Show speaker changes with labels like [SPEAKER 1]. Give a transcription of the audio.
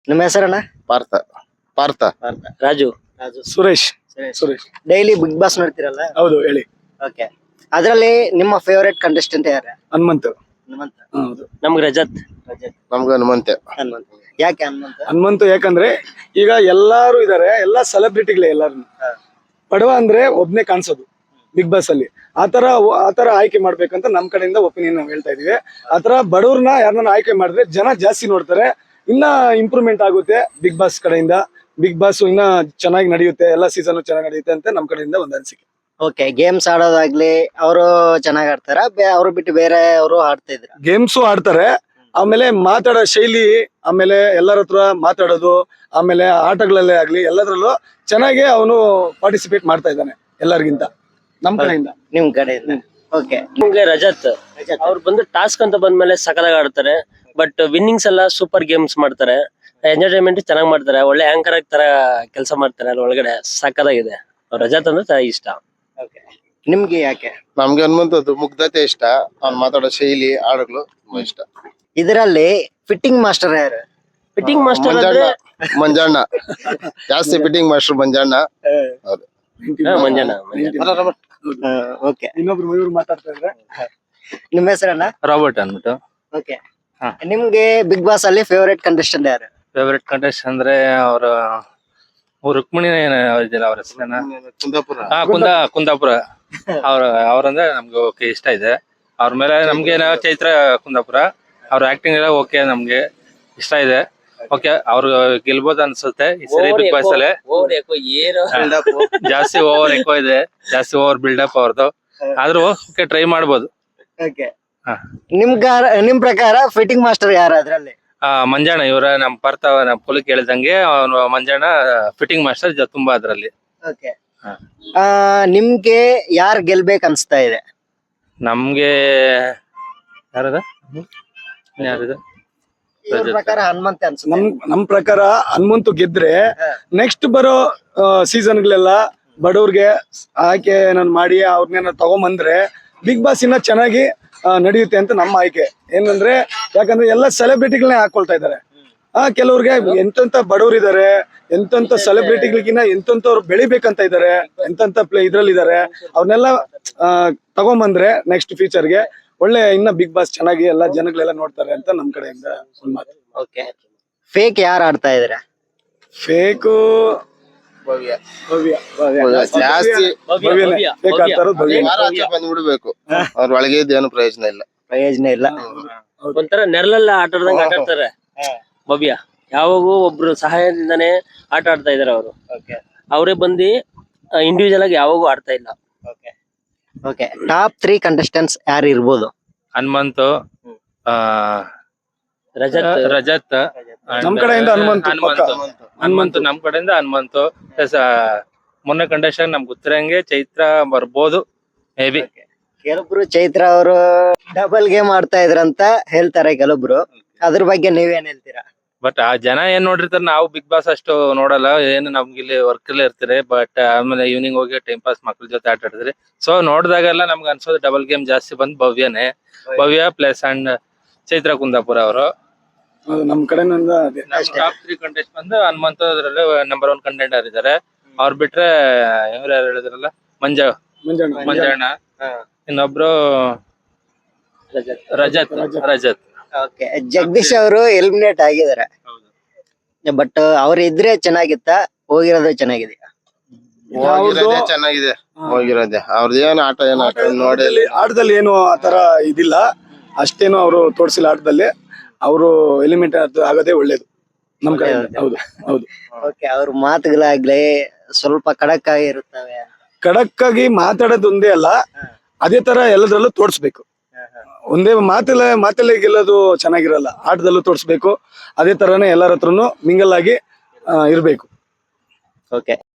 [SPEAKER 1] ನಿಮ್ಮ ಹೆಸರಣ್ಣ?
[SPEAKER 2] Partha Partha
[SPEAKER 1] Raju.
[SPEAKER 3] Suresh. Suresh
[SPEAKER 1] daily Bigg Boss ನೋಡ್ತಿರಲ್ಲ?
[SPEAKER 3] ಹೌದು ಹೇಳಿ.
[SPEAKER 1] ಓಕೆ. ಅದ್ರಲ್ಲಿ ನಿಮ್ಮ ಫೇವರೇಟ್ ಕಂಟೆಸ್ಟೆಂಟ್ ಯಾರು?
[SPEAKER 3] ಹನುಮಂತ್.
[SPEAKER 1] ಹನುಮಂತ.
[SPEAKER 3] ಹೌದು
[SPEAKER 1] ನಮ್ಗೆ ರಜತ್.
[SPEAKER 2] ನಮ್ಗೆ ಹನುಮಂತೆ.
[SPEAKER 1] ಹನುಮಂತ. ಯಾಕೆ ಹನುಮಂತ?
[SPEAKER 3] ಹನುಮಂತ್ ಯಾಕಂದ್ರೆ ಈಗ ಎಲ್ಲಾರು ಇದಾರೆ, ಎಲ್ಲಾ ಸೆಲೆಬ್ರಿಟಿಗಳೇ ಎಲ್ಲಾರು. ಬಡವ ಅಂದ್ರೆ ಒಬ್ನೇ ಕಾಣಿಸೋದು ಬಿಗ್ ಬಾಸ್ ಅಲ್ಲಿ. ಆತರ ಆಯ್ಕೆ ಮಾಡ್ಬೇಕಂತ ನಮ್ ಕಡೆಯಿಂದ ಒಪಿನಿಯನ್ ನಾವು ಹೇಳ್ತಾ ಇದೀವಿ. ಆತರ ಬಡವ್ರನ್ನ ಯಾರನ್ನ ಆಯ್ಕೆ ಮಾಡಿದ್ರೆ ಜನ ಜಾಸ್ತಿ ನೋಡ್ತಾರೆ, ಇನ್ನ ಇಂಪ್ರೂವ್ಮೆಂಟ್ ಆಗುತ್ತೆ ಬಿಗ್ ಬಾಸ್ ಕಡೆಯಿಂದ. ಬಿಗ್ ಬಾಸ್ ಇನ್ನ ಚೆನ್ನಾಗಿ ನಡೆಯುತ್ತೆ, ಎಲ್ಲಾ ಸೀಸನ್ ಚೆನ್ನಾಗಿ ನಡೆಯುತ್ತೆ ಅಂತ ನಮ್ ಕಡೆಯಿಂದ ಒಂದು ಅನಿಸಿಕೆ.
[SPEAKER 1] ಓಕೆ. ಗೇಮ್ಸ್ ಆಡೋದಾಗ್ಲಿ ಅವರು ಚೆನ್ನಾಗ್ ಆಡ್ತಾರ? ಅವ್ರು ಬಿಟ್ಟು ಬೇರೆ ಅವರು ಆಡ್ತಾ ಇದ್ರ?
[SPEAKER 3] ಗೇಮ್ಸು ಆಡ್ತಾರೆ, ಆಮೇಲೆ ಮಾತಾಡೋ ಶೈಲಿ, ಆಮೇಲೆ ಎಲ್ಲರ ಹತ್ರ ಮಾತಾಡೋದು, ಆಮೇಲೆ ಆಟಗಳಲ್ಲೇ ಆಗ್ಲಿ ಎಲ್ಲದ್ರಲ್ಲೂ ಚೆನ್ನಾಗಿ ಅವನು ಪಾರ್ಟಿಸಿಪೇಟ್ ಮಾಡ್ತಾ ಇದ್ದಾನೆ ಎಲ್ಲರಿಗಿಂತ ನಮ್ ಕಡೆಯಿಂದ.
[SPEAKER 1] ನಿಮ್ ಕಡೆಯಿಂದ. ಓಕೆ.
[SPEAKER 4] ನಿಮ್ಗೆ ರಜತ್ ಅವ್ರು ಬಂದು ಟಾಸ್ಕ್ ಅಂತ ಬಂದ್ಮೇಲೆ ಸಕಲಾಗಿ ಆಡ್ತಾರೆ. ಬಟ್ ವಿನ್ನಿಂಗ್ಸ್ ಎಲ್ಲ ಸೂಪರ್ ಗೇಮ್ಸ್ ಮಾಡ್ತಾರೆ, ಎಂಟರ್ಟೈನ್ಮೆಂಟ್ ಚೆನ್ನಾಗಿ ಮಾಡ್ತಾರೆ, ಒಳ್ಳೆ ಆಂಕರ್ ತರ ಕೆಲಸ ಮಾಡ್ತಾರೆ. ಅಲ್ಲಿ ಒಳಗಡೆ ಸಕಲಾಗಿದೆ. ರಜತ್ ಅಂದ್ರೆ ಇಷ್ಟ.
[SPEAKER 1] ನಿಮ್ಗೆ ಯಾಕೆ?
[SPEAKER 2] ನಮ್ಗೆ ಹನುಮಂತದ್ದು ಮುಗ್ಧತೆ ಇಷ್ಟ, ಅವ್ನು ಮಾತಾಡೋ ಶೈಲಿ, ಹಾಡುಗಳು ತುಂಬಾ ಇಷ್ಟ.
[SPEAKER 1] ಇದರಲ್ಲಿ ಫಿಟ್ಟಿಂಗ್ ಮಾಸ್ಟರ್ ಯಾರು?
[SPEAKER 4] Fitting master
[SPEAKER 2] Manjanna. ಮಂಜಣ್ಣ ಜಾಸ್ತಿ ಫಿಟ್ಟಿಂಗ್ ಮಾಸ್ಟರ್ ಮಂಜಣ್ಣ. ಹೌದು.
[SPEAKER 4] ಮಂಜಣ್ಣ.
[SPEAKER 1] ಓಕೆ.
[SPEAKER 3] ಇನ್ನೊಬ್ರು ಮಯೂರ್ ಮಾತಾಡ್ತಾ ಇದ್ರೆ.
[SPEAKER 1] ನಿಮ್ಮ ಹೆಸರನ್ನ?
[SPEAKER 5] ರಾಬರ್ಟ್ ಅಂದ್ಬಿಟ್ಟು.
[SPEAKER 1] ಓಕೆ. ನಿಮ್ಗೆ ಬಿಗ್ ಬಾಸ್ ಅಲ್ಲಿ ಫೇವರೇಟ್ ಕಂಟೆಸ್ಟೆಂಟ್ ಯಾರು?
[SPEAKER 5] ಫೇವರೇಟ್ ಕಂಟೆಸ್ಟ್ ಅಂದ್ರೆ ಅವ್ರ ರುಕ್ಮಿಣಿ ಇದಿಲ್ಲ ಅವ್ರ ಹೆಸರೇನ?
[SPEAKER 2] ಕುಂದಾಪುರ.
[SPEAKER 5] ಕುಂದಾಪುರ. ಅವ್ರಂದ್ರೆ ನಮ್ಗೆ ಓಕೆ ಇಷ್ಟ ಇದೆ. ಅವ್ರ ಮೇಲೆ ನಮ್ಗೆ ಚೈತ್ರ ಕುಂದಾಪುರ ಅವ್ರ ಆಕ್ಟಿಂಗ್ ಎಲ್ಲ ಓಕೆ, ನಮ್ಗೆ ಇಷ್ಟ ಇದೆ. ಓಕೆ, ಅವ್ರು ಗೆಲ್ಬೋದು ಅನ್ಸುತ್ತೆ ಈ ಸರಿ ಬಿಗ್ ಬಾಸ್ ಅಲ್ಲಿ. ಜಾಸ್ತಿ ಓವರ್ ಎಕೋ ಇದೆ, ಜಾಸ್ತಿ ಓವರ್ ಬಿಲ್ಡಪ್ ಅವ್ರದ್ದು. ಆದ್ರೂ ಓಕೆ, ಟ್ರೈ ಮಾಡ್ಬೋದು.
[SPEAKER 1] ಓಕೆ. ನಿಮ್ ಪ್ರಕಾರ ಫಿಟ್ಟಿಂಗ್ ಮಾಸ್ಟರ್ ಯಾರು ಅದ್ರಲ್ಲಿ?
[SPEAKER 5] ಮಂಜಣ್ಣ. ಇವರ ನಮ್ ಪಾರ್ಥ ಪೊಲಿ ಕೇಳಿದಂಗೆ ಅವನು ಮಂಜಣ್ಣ ಫಿಟ್ಟಿಂಗ್ ಮಾಸ್ಟರ್ ತುಂಬಾ ಅದ್ರಲ್ಲಿ.
[SPEAKER 1] ಓಕೆ. ನಿಮ್ಗೆ ಯಾರು ಗೆಲ್ಬೇಕು ಅನ್ಸ್ತಾ ಇದೆ?
[SPEAKER 5] ನಮ್ಗೆ ಯಾರದ
[SPEAKER 1] ಇವ್ರ ಪ್ರಕಾರ ಹನುಮಂತ ಅನ್ಸುತ್ತೆ.
[SPEAKER 3] ನಮ್ ಪ್ರಕಾರ ಹನುಮಂತು ಗೆದ್ರೆ ನೆಕ್ಸ್ಟ್ ಬರೋ ಸೀಸನ್ಗಳೆಲ್ಲ ಬಡವ್ರಿಗೆ ಆಯ್ಕೆ ಮಾಡಿ ಅವ್ರನ್ನೇನ ತಗೊಂಬಂದ್ರೆ ಬಿಗ್ ಬಾಸ್ ಇನ್ನ ಚೆನ್ನಾಗಿ ನಡೆಯುತ್ತೆ ಅಂತ ನಮ್ಮ ಆಯ್ಕೆ. ಏನಂದ್ರೆ ಯಾಕಂದ್ರೆ ಎಲ್ಲ ಸೆಲೆಬ್ರಿಟಿಗಳನ್ನೇ ಹಾಕೊಳ್ತಾ ಇದಾರೆ. ಕೆಲವ್ರಿಗೆ ಎಂತೆಂತ ಬಡವ್ರು ಇದಾರೆ, ಎಂತೆಂತ ಸೆಲೆಬ್ರಿಟಿಗಳಿಗಿನ್ನ ಎಂತೆಂತವ್ರು ಬೆಳಿಬೇಕಂತ ಇದಾರೆ, ಎಂತೆಂತ ಇದ್ರಲ್ಲಿ ಇದಾರೆ. ಅವ್ರನ್ನೆಲ್ಲ ತಗೊಂಬಂದ್ರೆ ನೆಕ್ಸ್ಟ್ ಫ್ಯೂಚರ್ಗೆ ಒಳ್ಳೆ ಇನ್ನ ಬಿಗ್ ಬಾಸ್ ಚೆನ್ನಾಗಿ ಎಲ್ಲ ಜನಗಳೆಲ್ಲ ನೋಡ್ತಾರೆ ಅಂತ ನಮ್ ಕಡೆಯಿಂದ ಒಂದ್ ಮಾತು.
[SPEAKER 1] ಓಕೆ. ಫೇಕ್ ಯಾರು ಆಡ್ತಾ ಇದಾರೆ?
[SPEAKER 3] ಫೇಕು
[SPEAKER 2] ಭವ್ಯ.
[SPEAKER 3] ಭವ್ಯ.
[SPEAKER 2] ಜಾಸ್ತಿ
[SPEAKER 3] ಫೇಕ್ ಆಡ್ತಾರೋ ಭವ್ಯ.
[SPEAKER 2] ಆಚೆ ಬಂದ್ಬಿಡ್ಬೇಕು, ಅವ್ರ ಒಳಗೆ ಇದ್ದೇನು ಪ್ರಯೋಜನ ಇಲ್ಲ.
[SPEAKER 1] ಪ್ರಯೋಜನ ಇಲ್ಲ.
[SPEAKER 4] ಒಂಥರ ನೆರಳೆಲ್ಲ ಆಟ ಆಡ್ದಂಗೆ ಆಟ ಆಡ್ತಾರೆ. ಭವ್ಯ ಯಾವಾಗೂ ಒಬ್ರು ಸಹಾಯದಿಂದಾನೇ ಆಟ ಆಡ್ತಾ ಇದಾರೆ ಅವರು. ಅವರೇ ಬಂದು ಇಂಡಿವಿಜುವಲ್ ಆಗಿ ಯಾವಾಗೂ ಆಡ್ತಾ ಇಲ್ಲ.
[SPEAKER 1] ಓಕೆ. ಟಾಪ್ 3 ಕಂಟೆಸ್ಟೆಂಟ್ಸ್ ಯಾರು ಇರ್ಬೋದು?
[SPEAKER 5] ಹನುಮಂತು, ರಜತ್.
[SPEAKER 3] ನಮ್ ಕಡೆಯಿಂದ
[SPEAKER 5] ಹನುಮಂತು ನಮ್ ಕಡೆಯಿಂದ ಹನುಮಂತು. ಮೊನ್ನೆ ಕಂಡೀಷನ್ ನಮ್ಗೆ ಗೊತ್ತಿರಂಗೆ ಚೈತ್ರ ಬರ್ಬೋದು ಮೇ ಬಿ.
[SPEAKER 1] ಕೆಲವೊಬ್ರು ಚೈತ್ರ ಅವರು ಡಬಲ್ ಗೇಮ್ ಆಡ್ತಾ ಇದ್ರಂತ ಹೇಳ್ತಾರೆ ಕೆಲವೊಬ್ರು, ಅದ್ರ ಬಗ್ಗೆ ನೀವೇನ್ ಹೇಳ್ತೀರಾ?
[SPEAKER 5] ಬಟ್ ಆ ಜನ ಏನ್ ನೋಡಿರ್ತಾರೆ, ನಾವು ಬಿಗ್ ಬಾಸ್ ಅಷ್ಟು ನೋಡಲ್ಲ. ಏನು ನಮ್ಗೆ ಇಲ್ಲಿ ವರ್ಕ್ ಅಲ್ಲಿ ಇರ್ತೀರಿ. ಬಟ್ ಆಮೇಲೆ ಈವ್ನಿಂಗ್ ಹೋಗಿ ಟೈಮ್ ಪಾಸ್ ಮಕ್ಳ ಜೊತೆ ಆಟ ಆಡಿದ್ರಿ. ಸೊ ನೋಡಿದಾಗೆಲ್ಲ ನಮ್ಗೆ ಅನ್ಸೋದು ಡಬಲ್ ಗೇಮ್ ಜಾಸ್ತಿ ಬಂದ್ ಭವ್ಯನೇ. ಭವ್ಯ ಪ್ಲಸ್ ಅಂಡ್ ಚೈತ್ರ ಕುಂದಾಪುರ ಅವರು.
[SPEAKER 3] ನಮ್ ಕಡೆಯಿಂದ
[SPEAKER 5] ಟಾಪ್ 3 ಕಂಟೆಸ್ಟ್ ಬಂದು ಹನುಮಂತ ಅದ್ರಲ್ಲಿ ನಂಬರ್ 1 ಕಂಟೆಂಡರ್ ಇದಾರೆ. ಅವ್ರು ಬಿಟ್ರೆ ಇವ್ರು ಯಾರು ಹೇಳಿದ್ರಲ್ಲ, ಮಂಜಣ್ಣ. ಇನ್ನೊಬ್ರು ರಜತ್.
[SPEAKER 1] ಓಕೆ. ಜಗದೀಶ್ ಅವರು ಎಲಿಮಿನೇಟ್ ಆಗಿದ್ದಾರೆ. ಬಟ್ ಅವ್ರು ಇದ್ರೆ ಚೆನ್ನಾಗಿತ್ತ, ಹೋಗಿರೋದು ಚೆನ್ನಾಗಿದೆ?
[SPEAKER 2] ಹೋಗಿರೋದೇ ಚೆನ್ನಾಗಿದೆ. ಹೋಗಿರೋದೆ ಅವ್ರದ್ದೇನು ಆಟ ನೋಡಿ
[SPEAKER 3] ಆಟದಲ್ಲಿ ಏನು ಆತರ ಇದಿಲ್ಲ, ಅಷ್ಟೇನು ಅವರು ತೋರ್ಸಿಲ್ಲ ಆಟದಲ್ಲಿ. ಅವರು ಎಲಿಮೆಂಟ್ ಆಗೋದೇ ಒಳ್ಳೇದು ನಮ್ ಕಡೆ. ಹೌದು ಹೌದು.
[SPEAKER 1] ಓಕೆ. ಅವ್ರ ಮಾತುಗಳಾಗ್ಲಿ ಸ್ವಲ್ಪ ಖಡಕ್ ಆಗಿರುತ್ತವೆ.
[SPEAKER 3] ಖಡಕ್ ಆಗಿ ಮಾತಾಡೋದು ಒಂದೇ ಅಲ್ಲ, ಅದೇ ತರ ಎಲ್ಲದ್ರಲ್ಲೂ ತೋರ್ಸ್ಬೇಕು. ಒಂದೇ ಮಾತಲ್ಲೇ ಗೆಲ್ಲೋದು ಚೆನ್ನಾಗಿರಲ್ಲ, ಆಟದಲ್ಲೂ ತೋರ್ಸ್ಬೇಕು. ಅದೇ ತರನೇ ಎಲ್ಲರ ಹತ್ರನು ಮಿಂಗಲ್ ಆಗಿ ಇರ್ಬೇಕು.
[SPEAKER 1] ಓಕೆ.